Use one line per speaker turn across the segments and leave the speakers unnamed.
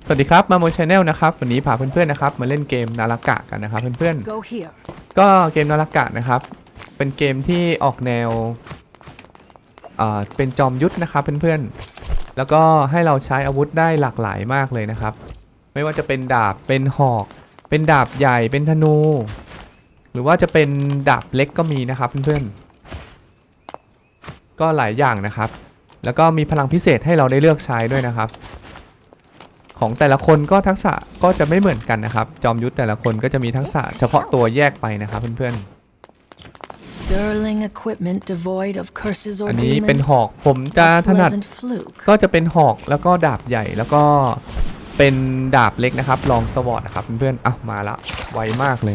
วัสดีครับมาโมชแนลนะครับวันนี้พาเพื่อนๆนะครับมาเล่นเกมนารากะกันนะครับเพื่อนๆก็เกมนารากะนะครับเป็นเกมที่ออกแนวเป็นจอมยุทธนะครับเพื่อนๆแล้วก็ให้เราใช้อาวุธได้หลากหลายมากเลยนะครับไม่ว่าจะเป็นดาบเป็นหอกเป็นดาบใหญ่เป็นธนูหรือว่าจะเป็นดาบเล็กก็มีนะครับเพื่อนๆก็หลายอย่างนะครับแล้วก็มีพลังพิเศษให้เราได้เลือกใช้ด้วยนะครับของแต่ละคนก็ทักษะก็จะไม่เหมือนกันนะครับจอมยุทธแต่ละคนก็จะมีทักษะเฉพาะตัวแยกไปนะครับเพื่อนๆอันนี้เป็นหอกผมจะถนัดก็จะเป็นหอกแล้วก็ดาบใหญ่แล้วก็เป็นดาบเล็กนะครับลองสวอตนะครับเพื่อนๆอ่ะมาละไวมากเลย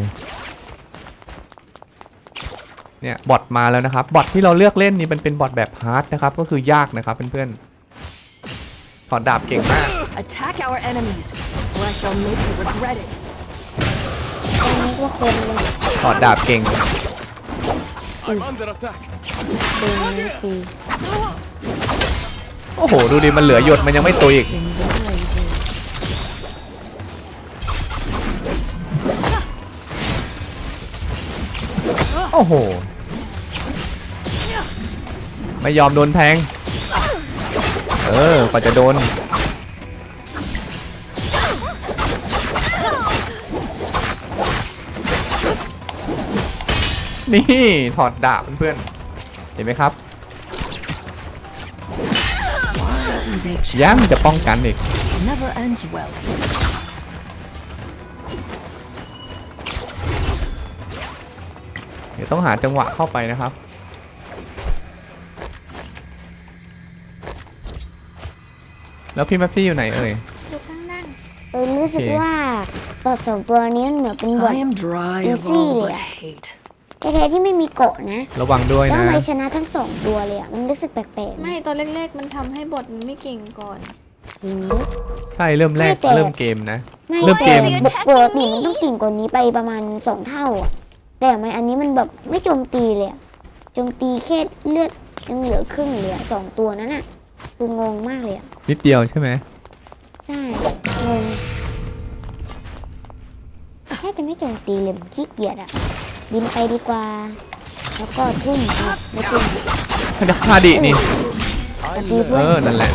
เนี่ยบอทมาแล้วนะครับบอทที่เราเลือกเล่นนี่เป็นบอทแบบฮาร์ดนะครับก็คือยากนะครับเพื่อนๆถอดดาบเก่งมากถอดดาบเก่งโอ้โหดูดิมันเหลือหยดมันยังไม่ตุยอีกโอ้โหไม่ยอมโดนแทงกว่าจะโดนนี่ถอดดาบเพื่อนๆเห็นไหมครับยังจะป้องกันอีกเดี๋ยวต้องหาจังหวะเข้าไปนะครับแล้วพี่แม็กซี่อยู่ไหนเอ่ย
อยู่ข้างล่างรู้สึกว่าบอท2ตัวนี้เหมือนเป็นบอทอีซี่เลยอะแท้ๆที่ไม่มีเกาะนะ
ระวังด้วยนะ
ทำไมชนะทั้ง2ตัวเลยอะมันรู้สึกแปลกๆ
ไม่ตอนแรกๆมันทำให้บอทมันไม่เก่งก่อน
ใช่เริ่มแรกเริ่มเกมนะเริ่มเกม
ปกติมันต้องเก่งกว่านี้ไปประมาณ2 เท่าอะแต่มันอันนี้มันแบบไม่โจมตีเลยโจมตีแค่เลือดยังเหลือครึ่งเลย2ตัวนั้นอะคืองงมากเลย
นิดเดียวใช่ไหม
ใช่งงแค่จะไม่โจมตีเลยขี้เกียจอะบินไปดีกว่าแล้วก็ทุ่มไม่ทุ่ม
ฮาดินี่นั่นแหละ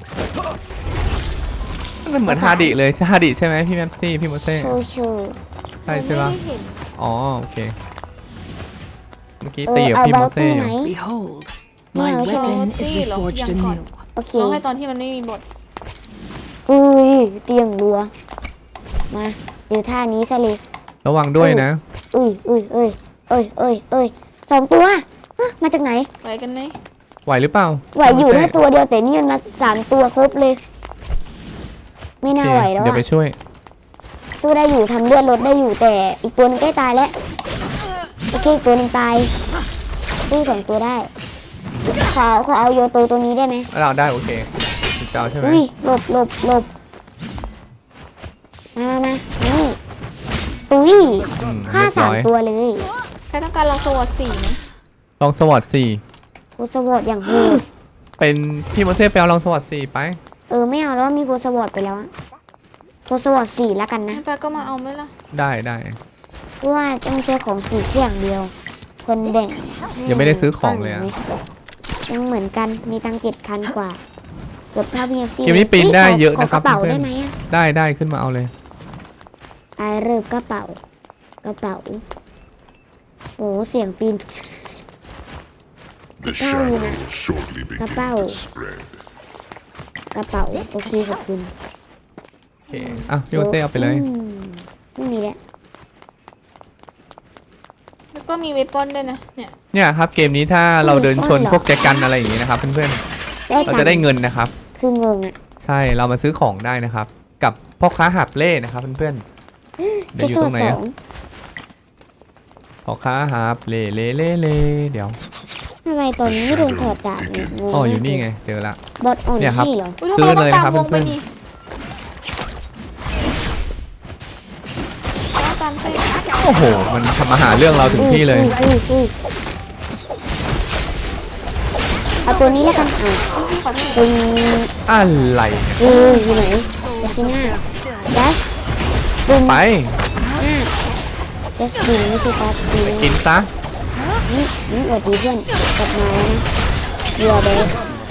มันเหมือนฮาดิเลยใช่ฮาดิใช่ไหมพี่แมปซี่พี่โมเซ่ใช่ใช่ปะอ๋อโอเคเมื่อกี้ตีกับพี่โมเซ่
ไม่เอาใช่ไหม
โอเคต้องให้ตอนที่มันไม่มีบท
อุ้ยเตียงรัวมาเดี๋ยวท่านี้ซะเลย
ระวังด้วยนะ
2 ตัวมาจากไหน
ไหวกันไหม
ไหวหรือเปล่า
ไหวอยู่แค่ตัวเดียวแต่นี่มันมา3 ตัวครบเลยไม่น่าไหวแล้ว
เดี๋ยวไปช่วย
สู้ได้อยู่ทำเลือดลดได้อยู่แต่อีกตัวนึงใกล้ตายแล้วโอเคอีกตัวนึงตายสู้2 ตัวได้ขอเอาโยโตตัวนี้ได้ไหม
เราได้โอเคเจ้าใช่ไหม
หลบมานี่ตุ้ยฆ่า3 ตัวเลย
ใครต้องการลองสวอต4ไหม
ลองสวอต4
สวอตอย่างโหด
เป็นพี่โมเซ่ไปเอาลองสวอต4ไป
ไม่เอาแล้วมีสวอตไปแล้วสวอต4แล้วกันนะ
ไปก็มาเอาไหมล่ะ
ได้
เพราะว่าต้องใช้ของ4แค่อย่างเดียวคนแบ่ง
ยังไม่ได้ซื้อของเลย
ยังเหมือนกันมีตังค์7,000 กว่าเกือบเท่าพี่
เกมนี้ปีนได้เยอะนะครับ
กระเป๋าได้ไหม
ได้ขึ้นมาเอาเลย
เริ่มกระเป๋าโอ้เสียงปีนเท่าอยู่นะกระเป๋าโอเคขอบคุณ
โอเคพี่โอเต้เอาไปเลย
ไม่มี
แล้วก็มีเวปอนด้วยนะ
เนี่ยครับเกมนี้ถ้าเราเดินชนพวกแจกันอะไรอย่างนี้นะครับเพื่อนๆเราจะได้เงินนะครับ
คือเงิน
ใช่เรามาซื้อของได้นะครับกับพ่อค้าหาบเล่นะครับเพื่อนๆเดี๋ยวอยู่ตรงไหนพ่อค้าหาบเล่เดี๋ยว
ทำไมตอนนี้ไม่โดนถอดดาบ
อยู่นี่ไงเจอละ
บอทอ่อน
เนี่ยครับ
เหรอ
ซื้อเลยนะครับเพื่อนๆโอ้โหมันทำมาหาเรื่องเราถึงที่เลย
เอาตัวนี้แล้วกัน
อะไร
อยู่ไหนที่หน้าดัชบุม
ไป
ดัชบุมไม่ใช่ดัชบุม
กินซะ
นี่อวดดีเพื่อนกลับมาแล้วนะเรือเบส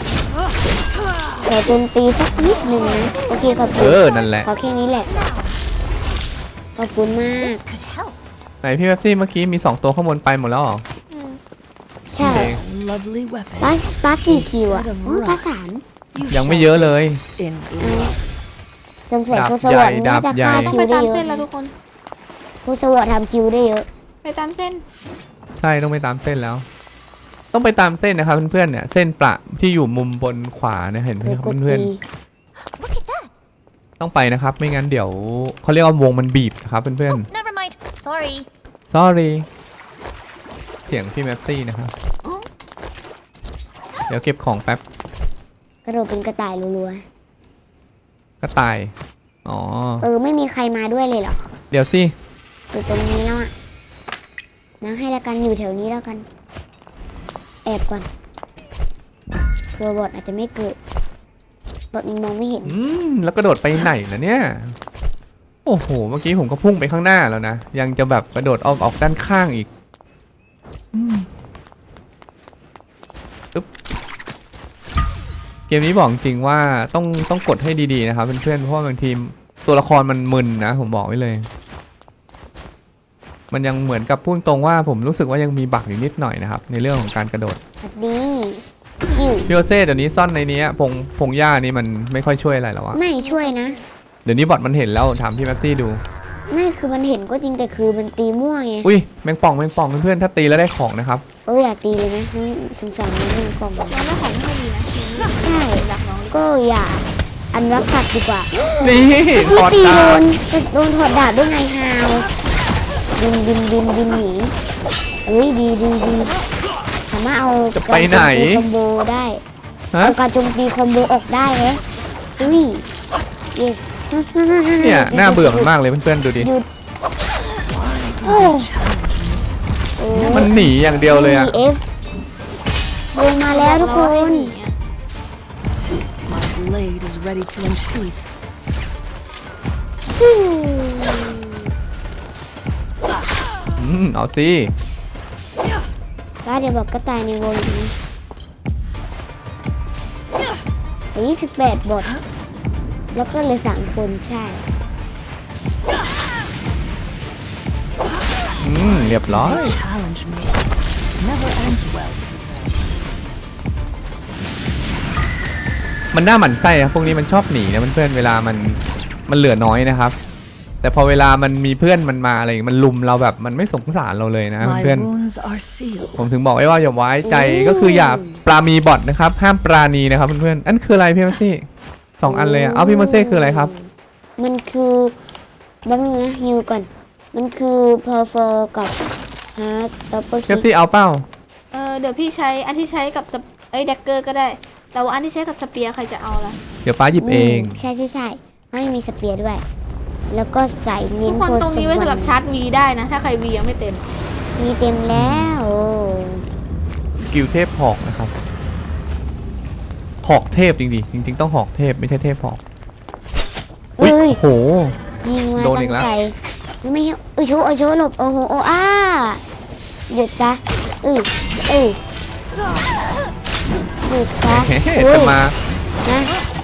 แต่โจมตีสักนิดหนึ่งนะโอเคขอบคุณ
นั่นแหละ
ขอแค่นี้แหละขอบคุณมาก
ไหนพี่เป๊ปซี่เมื่อกี้มี2ตัวข้างบนไปหมดแล้วเหรอ
ใช่
โอเค
Lovely weapon.
ป้ากี่คิวอ่ะอ๋อป้าสาม
You
ยังไม่
shall
เยอะเลย
in
สงสัย
ดาบ
ครูสวัสดิ์
ใหญ่
น่าจะ
ดาบใหญ่
ฆ่า
ต้อง
คิ
ไป
วได้
ตาม
เย
เส้น
อะ
แล้วทุกคน
ครูสวัสดิ์ทำคิวได้เยอะ
ไปตามเส้น
ใช่ต้องไปตามเส้นแล้ว ต้องไปตามเส้นนะครับเพื่อนๆเนี่ยเส้นประที่อยู่มุมบนขวาเนี่ยเห็นไหม
เคย
ครับ
กด
เพื่อน
ตี
ๆต้องไปนะครับ ไม่งั้นเดี๋ยวเขาเรียกว่าวงมันบีบนะครับเพื่อน
Never mind. Sorry.
ๆ sorry เสียงพี่แมปซี่นะครับเดี๋ยวเก็บของแป๊บ
กระโดดเป็นกระต่ายรัว
ก็ตายอ๋อ
ๆไม่มีใครมาด้วยเลยเหรอ
เดี๋ยวสิ
อยู่ตรงนี้แล้วอ่ะนั่งให้ละกันอยู่แถวนี้แล้วกัน แอบก่อนเผื่อบอทอาจจะไม่เกิดบอทมันมองไม่เห็น
แล้วกระโดดไปไหนนะเนี่ยโอ้โหเมื่อกี้ผมก็พุ่งไปข้างหน้าแล้วนะยังจะแบบกระโดดออกด้านข้างอีกอึ๊บเกมนี้บอกจริงว่าต้องกดให้ดีๆนะครับเพื่อนๆเพราะว่าบางทีตัวละครมันมึนนะผมบอกไว้เลย มันยังเหมือนกับพูดตรงว่าผมรู้สึกว่ายังมีบั๊กอยู่นิดหน่อยนะครับในเรื่องของการกระโดด
สวัสดีอยู่
พี่โอเซ่เดี๋ยวนี้ซ่อนในนี้พงหญ้านี่มันไม่ค่อยช่วยอะไรแล้วอะ
ไม่ช่วยนะ
เดี๋ยวนี้บอทมันเห็นแล้วถามพี่แม็ปซี่ดู
ไม่คือมันเห็นก็จริงแต่คือมันตีมั่วไง
อุ้ยแมงป่องเพื่อนๆถ้าตีแล้วได้ของนะครับ
อยากตีเลยไหมสงสารมันกล่อง
น้องได้ของไม่ดีนะ
ใช่
รักน้อง
ก็อย่าอันรักสัตว์ดีกว่า
นี่ถอด
ตี
ดาบ
โดนถอดดาบได้ไงฮาวบินหนีดีสามารถเอาการโจมตีคอมโบได้
ฮะ
เอาการโจมตีคอมโบออกได้เลยyes
เนี่ยน่าเบื่อมันมากเลยเพื่อนๆดูดิ
หยุดโอ้
มันหนีอย่างเดียวเลยอะ
F ลงมาแล้วทุกคน
my blade is ready to unsheath.
เอาสิ
ก็เดี๋ยวบอกก็ตายในวงนี้28 บท แล้วก็เลย3 คนใช่
เรียบร้อย
They challenge me. Never ends well for them.
มันน่าหมั่นไส้นะพวกนี้มันชอบหนีนะเพื่อนๆเวลามันเหลือน้อยนะครับ แต่พอเวลามันมีเพื่อนมันมาอะไรมันลุมเราแบบมันไม่สงสารเราเลยนะ
My
เพื่อน
wounds are sealed.
ผมถึงบอกไว้ว่าอย่าไว้ใจก็คืออย่าปราณีบอทนะครับห้ามปราณีนะครับเพื่อนๆอันคืออะไรพี่แมซี่2 อันเลยอะเอาพี่โมเซ่คืออะไรครับ
มันคือแป๊บนึงนะฮิวก่อน มันคือเพอร์ฟอร์กับฮาร์ดดับเบิล
พี่แมซี่เอาเป้า
เดี๋ยวพี่ใช้อันที่ใช้กับแดกเกอร์ก็ได้ แต่ว่าอันที่ใช้กับสเปียร์ใครจะเอาล่ะ
เดี๋ยวป้าหยิบเอง
ใช่ไม่มีสเปียร์ด้วย แล้วก็ใส่เน้
ทุ
น
กคน
โพ
ตรงนี้ไว้สำหรับชาร์จวีได้นะ ถ้าใครวียังไม่เต็ม
มีเต็มแล้วโอ้
สกิลเทพหอกนะครับหอกเทพจริงๆจริงๆต้องหอกเทพไม่ใช่เทพหอกอุ้ย
เอ้ย
โอ้โห
ยิงมา
โดน
ตั้
อี
ง
กแล้ว
ใจไม่ให้โชว์หลบโอ้โหหยุดซะหยุดซะ
เฮ้
อุ้ย
จะมา
นะ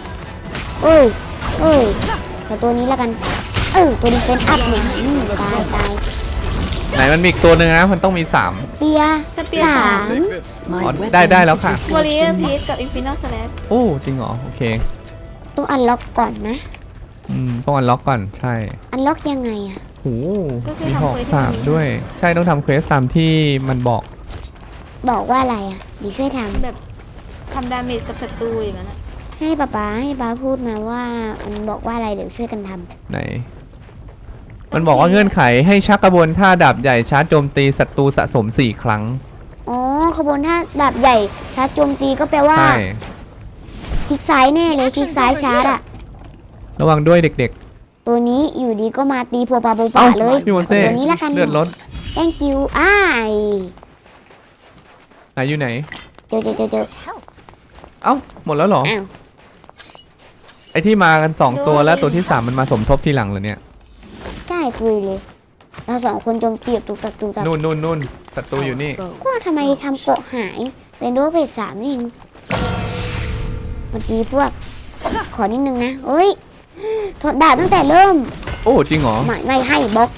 แต่ตัวนี้แล้วกันตัวนี้เป็นอัพเนี่ยตาย
ไหนมันมีอีกตัวหนึ่งนะมันต้องมี3
เปีย
สเปียร์
สาม
My
Oh,
weapon
ได้แล้วค่ะ
is
วอริเออ
reforged
ร์
in
พี
my
ซกับอินฟินิตสแลช
โอ้จริงเหรอโอเค
ต้องอันล็อกก่อนนะ
ต้องอันล็อกก่อนใช่
อันล็อกยังไงอะ
โอ้มีหอก3ด้วยใช่ต้องทำเควสตามที่มันบอก
บอกว่าอะไรอะดีช่วยทำ
แบบทำดาเมจกับศัตรูอย่างนั้นอะ
ให้ป๊าพูดมาว่ามันบอกว่าอะไรเดี๋ยวช่วยกันทำ
ไหน มันบอกว่าเงื่อนไขให้ชักกระบวนท่าดาบใหญ่ชาร์จโจมตีศัตรูสะสม4 ครั้ง
อ๋อขบวนท่าดาบใหญ่ชาร์จโจมตีก็แปลว่า
ใช่
คลิกซ้ายแน่เลยคลิกซ้ายชาร์จอะ
ระวังด้วยเด็ก
ตัวนี้อยู่ดีก็มาตีพัวปลาโบ
ๆ เอ้า
ป่าเลย
พี่โมเซ่
ตัวนี้ละกัน
เลือดลด
thank you
ไหนอยู่ไหน
เจอ
เอ้าหมดแล้วเหรอ
อ้าว
ไอที่มากัน2ตัวแล้วตัวที่3มันมาสมทบทีหลังเหรอเนี่ย
ใช่คุยเลยเราสองคนโจมตีแบบตุกตักตุกตัก
นู่นศัตรูอยู่นี่
ก็ทำไมทำโปะหายเป็นโดเบส3นี่เองเมื่อกี้พวกขอนิดนึงนะเอ้ยถอดดาบตั้งแต่เริ่ม
โอ้จริงเหรอ
ไม่ให้บล็อก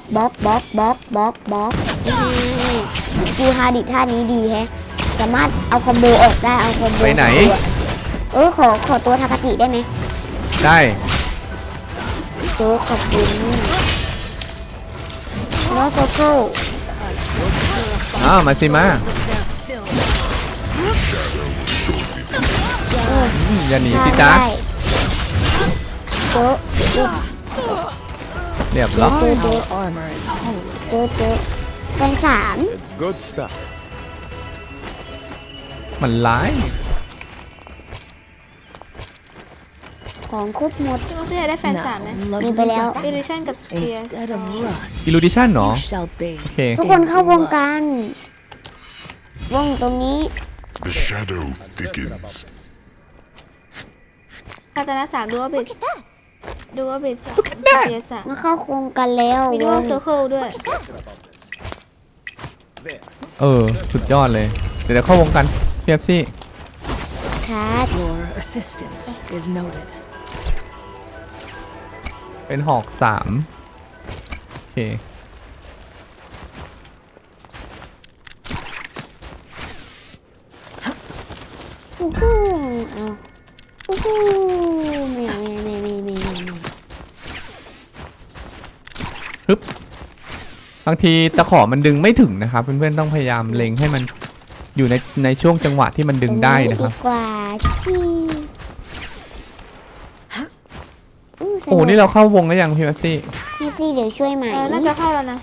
ดูฮาดิท่านี้ดีแฮะสามารถเอาคอมโบออกได้เอาคอมโบ
ไปไหน
ขอตัวทาคาติได้ไหม
ได้
โจ๊กขอบคุณโนโซโค
อ้าวมาสิมาอย่าหนีสิจ๊ะ
โจ๊ก
เรียบร้อย
Our armor is whole.
โจ๊กเป็น3
It's good stuff.
มันร้าย
ของครบหมด
พี่โมเซ่ได้แฟนสามไหม
Now,
มี
lovely
ไปแล้ว
อิ
weapon.
ลิชันกับสเปียร์
Instead of rust,
อิลูดิชันเหรอ
you shall
โอ
bathe.
เค
ทุกคนเข้าวงการวงตรงนี้
The shadow thickens.
คาตานะ3ดูว่าเบส3สเปียร์3
มาเข้าโครงกันแล้ว
มีดู
ว
ว่าง เซอร์เคิลด้วย
สุดยอดเลย เดี๋ยวเข้าวงกันเพียบซี่
ชาร์จ
Your assistance is noted.
เป็นหอก3โอเค
อู้หูเอาอู้หูไม่
บางทีตะขอมันดึงไม่ถึงนะครับ เพื่อนๆต้องพยายามเล็งให้มันอยู่ในช่วงจังหวะที่มันดึงได้นะครับ
ดีกว่าที่ส
โอ้นี่เราเข้าวงแล้วยังพี่แม็กซี่
พี่ซี่เดี๋ยวช่วยใหม่
น่าจะเข้าแล้วนะ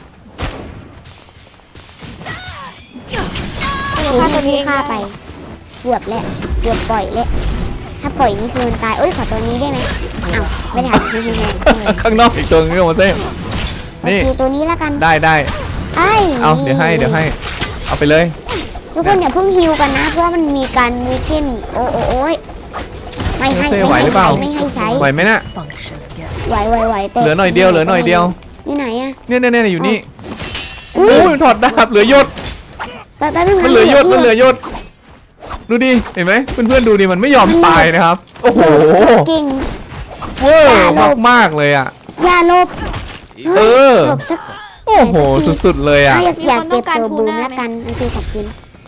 คือถ้าตัวนี้ฆ่าไปเกือบแล้วเกือบปล่อยแล้วถ้าปล่อยนี่คือมันตายเอ้ยขอตัวนี้ได้ไหมอ้าวไม่ทัน
ข้างนอกอีกตัวนึงก็มาเต้
โอ
นี่
เคตัวนี้แล้วกัน
ได้
ไอ้
เอาเดี๋ยวให้เอาไปเลย
ทุกคนอย่าเพิ่งฮิวกันนะเพราะว่ามันมีการวีเคนโอ้ยไม่ให้
เซ่ไหวหรือเปล่า
ไม่ให้ใช้
ไหวไหมน่ะ
Function again.
ไหวแต่
เหลือหน่อยเดียว
อยู่ไหนอะ
เนี่ยอยู่นี่
อุ้
โอ้
ย
ยถอดดาบเหลือยศ
แป๊บนึง
มันเหลือยศดูดิเห็นไหมเพื่อนๆดูดิมันไม่ยอมตายนะครับ โอ้โห
เก่ง
เวอร์มากๆเลยอ่ะ
อย่าหลบ
เออ
หลบสัก
โอ้โหสุดๆเลยอ่ะ
อยากเก็บตัวบูมแล้วกันโอเคขอบคุณ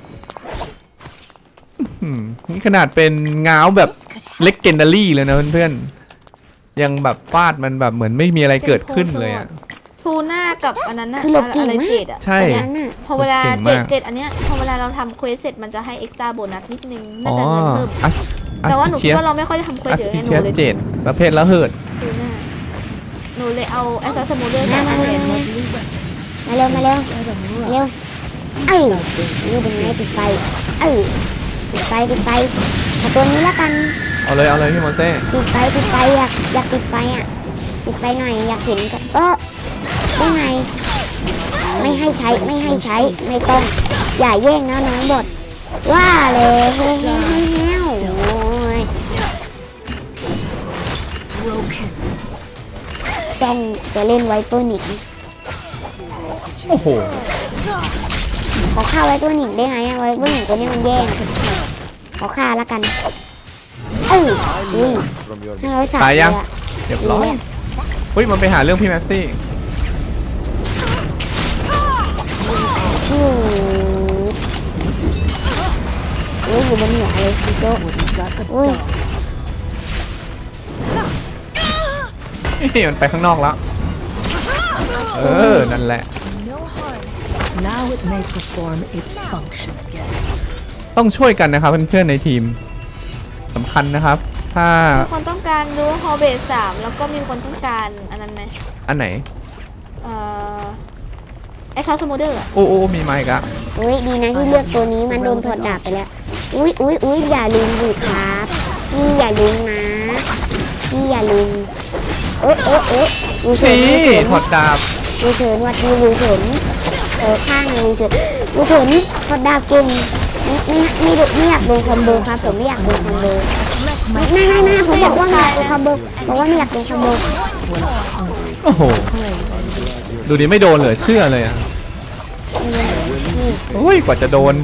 นี่ขนาดเป็นง้าวแบบเล็กเกนดารี่เลยนะเพื่อนๆยังแบบฟาดมันแบบเหมือนไม่มีอะไรเกิดขึ้นเลยอ่ะ
ทูน่ากับอันนั้นน่ะ
คือหลบเก่ง
อะไร
มาก
เจ็ดอ่ะ
ใช่
นั้นน่ะ
พอเวลา
เก่งมาก
เจ็ดอันเนี้ยพอเวลาเราทำเควสเสร็จมันจะให้เอ็กซ์ตร้าโบนัสนิดนึงน่า
อ๋อ
จะเงินเพิ่ม
อัส
แต่ว่าหนู
เชี
คิด
ยส
ว่าเราไม่ค่อยได้ทำเควส
อัส
เยอะ
พิ
ไงห
เชี
นู
ยส
เลย
7ประเภทละเหิด
ทูน่าหนูเลยเอาแอสซัสมูเดอร์
มา
มา
เร็วเร็ว
Instead of
เร็ว
rust,
เอ้ยนี่เป็นไงติดไฟเอ้ยติดไฟขอตัวนี้แล้วกัน
เอาเลยพี่โมเซ่
ติดไฟอยากติดไฟอ่ะติดไฟหน่อยอยากเห็นกันได้ไงไม่ให้ใช้ไม่ต้องอย่าแย่งนะน้องบดว่าเลยเฮ้โอ้ย
broken.
ต้องจะเล่นไวเปอร์หนิง
โอ้โห
ขอฆ่าไวเปอร์หนิงได้ไงอะไวเปอร์หนิงตัวนี้มันแย่งขอฆ่าแล้วกันอุ้ย
From your
503
ตายยัง
เลอะ
เรียบร้อยเฮ้ยมันไปหาเรื่องพี่แม็กซี่
อยู่บนหัวเลยพี่โจ๊ก
Wouldn't got a
Ui.
dog.
มันไปข้างนอกแล้วนั่นแหละ
Now it may perform its function again.
ต้องช่วยกันนะครับเพื่อนๆในทีมสำคัญนะครับ ถ้า
มีคนต้องการดูฮอลเบส3แล้วก็มีคนต้องการอันนั้นไหม
อันไหน
แอสซัสมูเดอร์
โอ้มีไมค์กะ
อุ้ยดีนะที่เลือกตัวนี้มันโดนถอดดาบไปแล้วอุ้ยอย่าลืมดิครับพี่อย่าลืมนะพี่อย่าลืมดูเฉิ
นี่
น
ถอดดาบ
ดูเฉินวัดดูเฉินข้างดูเฉินถอดดาบเก่งไม่อยากโดนคอมโบครับผมไม่อยากโดนคอมโบไม่ผมบอกว่าไม่อยากดูคอมโบบอกว่าไม่อยากดูคอมโบ
โอ้โห ดูดิไม่โดนเลยเชื่อเลยอ่ะโอ้ยกว่าจะโดน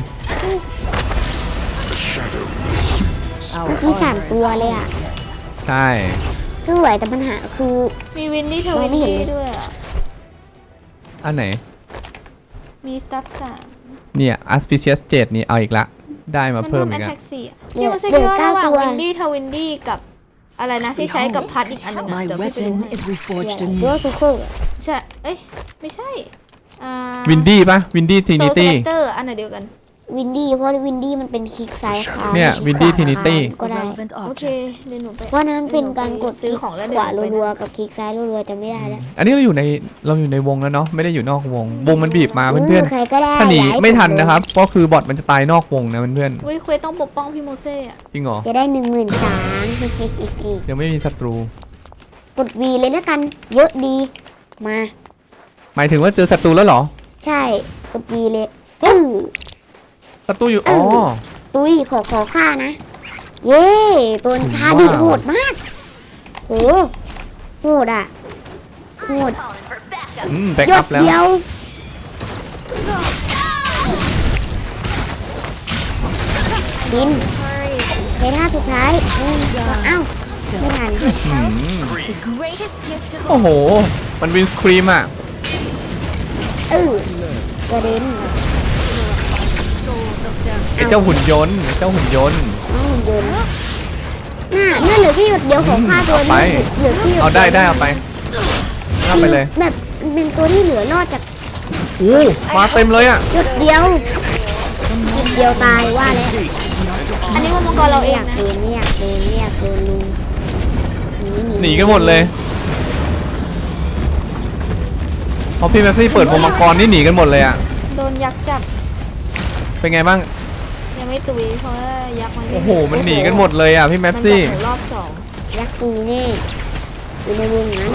เมื่อกี้3 ตัวเลยอ่ะ
ใช่
สวยแต่ปัญหาคือ
มีวินดี้ทวินดี้ด้วยอ่ะ
อันไหน
มีสตัฟสาม
เนี่ย Aspicious 7นี่เอาอีกละ ได้มา
มัน
เพิ่
เพิ่
ม
ม
อี
แอต
ก
แท
อะ
กสี่พี่มาเซ็กว่าระหว่างวินดี้ทวินดี้กับอะไรนะที่ใช้กับพัดอีกอันหนึงอะ
My
เดี๋ยวพี่ไปดู
weapon
ให้
is reforged
ตัว
anew.
สุขุ
ใช่เอ้ยไม่ใช่
วินดี้ปะวินดี้ที
โซ
นิ
ล
ตี้
เตอร์อันไหนเดียวกัน
วินดี้เพราะวินดี้มันเป็นคลิกซ้ายค้าง
เนี่ย Windy
ขวา
Trinity
ค้างก็ได้
Relevant
โอเค
object.
เดี๋ยวหนูไป
เพราะนั้นเป็นการกดค
ซื้
ลิ
อก ของแล้ว
ข
เดี๋ยว
วา
หนูไป
รัวๆกับคลิกซ้ายรัวๆจะไม่ได้แล้ว
อันนี้เราอยู่ในวงแล้วเนาะไม่ได้อยู่นอกวง วงมันบีบมาเพื่อน
ใครก็ได้
ๆถ้าหนี
ย้าย
ไม่ทัน
ผมเลย
นะครับก็คือบอทมันจะตายนอกวงนะเพื่อน
เว้ยเควสต้องปกป้องพี่โมเซ่อะ
ๆจริงเหรอ
จะได้13,000
ยังไม่มีศัตรู
กด V เลยแล้วกัน เยอะดี มา
หมายถึงว่าเจอศัตรูแล้วเหรอ
ใช่กด V เลย
ศัตรูอยู่อ๋อ
ตุ้ยขอค่านะ เย้ตัวทาดิ
ว้าว
โหดมากโหโหดอ่ะโหด
แบ็ก
ย
อั
ด
พแล้ว
เดียวบินเคท่าสุดท้ายเอ้าไม่ทัน
โอ้โห มันวินสครีมอ่ะ
กระเด็น
ไอ้เจ้าหุ่นยนต์ไอ้เจ้าหุ่นยนต์
หุ่นยนต์น่าเหลือที่หยดเดียวของค่าตัว
เอาไป
นี้เหลือที่หยด
เอาได้เอาไปเอาไปเลย
แบบเป็นตัวที่เหลือรอดจาก
อู้มาเต็มเลยอ่ะ
หยดเดียวหยดเดียวตายว่าแล้ว
อันนี้ว่ามังกรเราเองนะ
ไม่อยากโดนลุง
หนีกันหมดเลยพอพี่แม็กซี่เปิดวงมังกรนี่หนีกันหมดเลยอ่ะ
โดนยักษ์จับ
เป็นไงบ้าง
ยังไม่ตุยเพราะว่ายักษ์มัน
โอ้โห มันหนีกันหมดเลยอ่ะพี่แม็กซี่
มันบอกหนูรอบสอง
ยักษ์ตุยแน่อยู่ในวงนั้น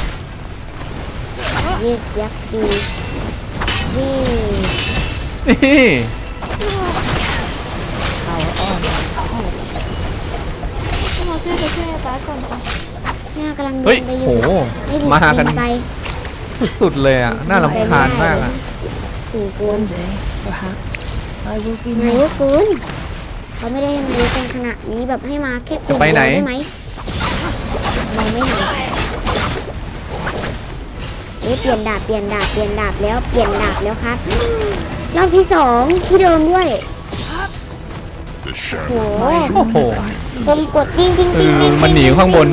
ยักษ์ตุยนี่
นี่
พี่โมเซ่ไปช่วยป้าก่อนค่ะ
หน้ากำลังเดิ
เฮ้ย
นไปอ
โห
ยู่ไม่ดี
มากัน
ไป
สุดเลยอ่ะ น่ารำคาญมากอ่ะ
ถึงเกิน
One day, perhaps, I will be
นาย
more.
กคุณเขาไม่ได้รู้เป็นขนาดนี้แบบให้มาแค่ตัว
จะไปไหน
เดียวได้ไหมเราไม่ไหนเปลี่ยนดาบแล้วเปลี่ยนดาบแล้วครับรอบที่2ที่เดิมด้วย
The
โห
shadow
โอ้โห
Winds are
ผม
ceased.
กดติ้งติ้งติ้งติ้ง
มันหนีข้างบน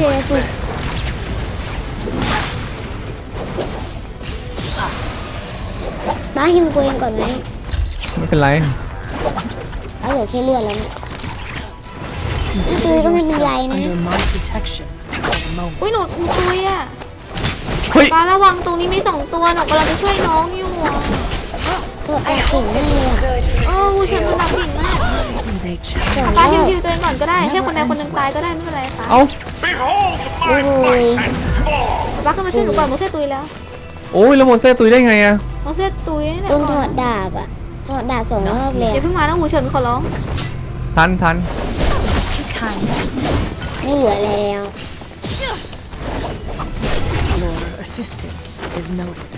บ้าฮิวตัวเองก่อนไหม
ไม่เป็นไร
เอาเหลือแค่เลือดแล้วนะ
Consider
Ito, kami
yourself
bigay na.
under my protection for the moment.
อุ้ยหนูตุยอ่ะ
เฮ้ย
ป้าระวังตรงนี้มี2ตัวหนูกำลังจะช่วยน้องอยู่อ่ะ
เกิดแอบสิ่งนั่นเลยอะ
วูฉันมันหนักบิ่นมาก
Do they change?
สอง
ป้าร
อบ
ฮิวตัวเองก่อนก็ได้ให้คนใดคนหนึ่งตายก็ได้ไม่เป็นไรค่ะ
เอ้า
โอ้ย
ป้าขึ้นมาช่วยหนูก่อนโมเซ่ตุยแล้ว
โอ้ยแล้วโมเซ่ตุยได้ไงอ่ะ
โมเซ่ตุยเนี่ย
โดนถอดดาบอ่ะถอดดาบ2 รอบเลย
อย่าเพิ่งมานะหูเฉินขอร้อง
ทัน
ไม่เหลือแล้ว
Your assistance is noted.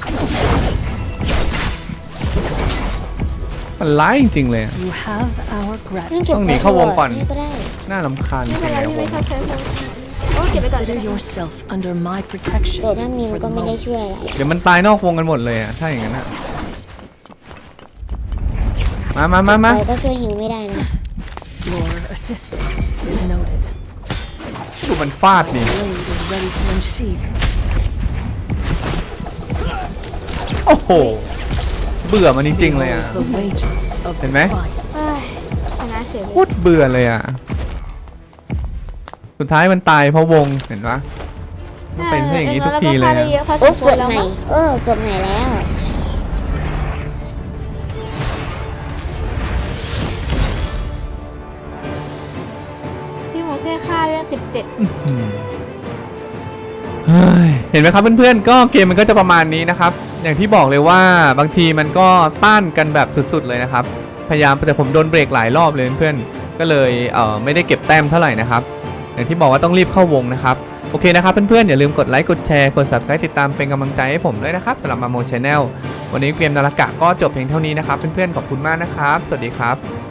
มันร้ายจริงๆเลยอะ
You have our
นั่น
gratitude.
เก็บ
ต้องหนีเข้าวงก่อน
ก็ได้
น่ารำคาญจ
ไม่
ริ
เป็น
ง
ไร
ๆใน
พี่
ว
ไม่
ง
ชอบใช้โอ้เก็บไปก่อน
Consider yourself under my protection
แต่ถ้ามิว
for
ก็
the
ไม่ได้
moment.
ช่วยอะไร
เดี๋ยวมันตายนอกวงกันหมดเลยอ่ะ ถ้าอย่างนั้นอ่ะ มา
ไปก็ช่วยฮิวไม่ได้นะ
Your assistance is noted.
ดูมันฟาดนี่
Blade is ready to unsheath.
โอ้โห เบื่อมันจริงๆเลยอ่ะ
The wages of
ห็นไหม?
defiance.
เอ้ยชนะเสียเล
โค
ย
ตรเบื่อเลยอ่ะ สุดท้ายมันตายเพราะวง เห็นปะมันเป็นอย่างนี้ทุกทีเลย
ได้
อะ
เยอะพอส
โอ้
มคว
เกื
ร
อบ
แล้ว
ใหม่
มั้ง
เกือบใหม่แล้ว
พี่โมเซ่ฆ่าได้17
เฮ้ยเห็นไหมครับเพื่อนๆ ก็เกมมันก็จะประมาณนี้นะครับ อย่างที่บอกเลยว่าบางทีมันก็ต้านกันแบบสุดๆเลยนะครับ พยายามแต่ผมโดนเบรกหลายรอบเลยเพื่อนก็เลยไม่ได้เก็บแต้มเท่าไหร่นะครับอย่างที่บอกว่าต้องรีบเข้าวงนะครับโอเคนะครับเพื่อนๆอย่าลืมกดไลค์กดแชร์กด Subscribe ติดตามเป็นกำลังใจให้ผมด้วยนะครับสำหรับมาโม Channel วันนี้เกมนาฬกะก็จบเพียงเท่านี้นะครับเพื่อนๆขอบคุณมากนะครับสวัสดีครับ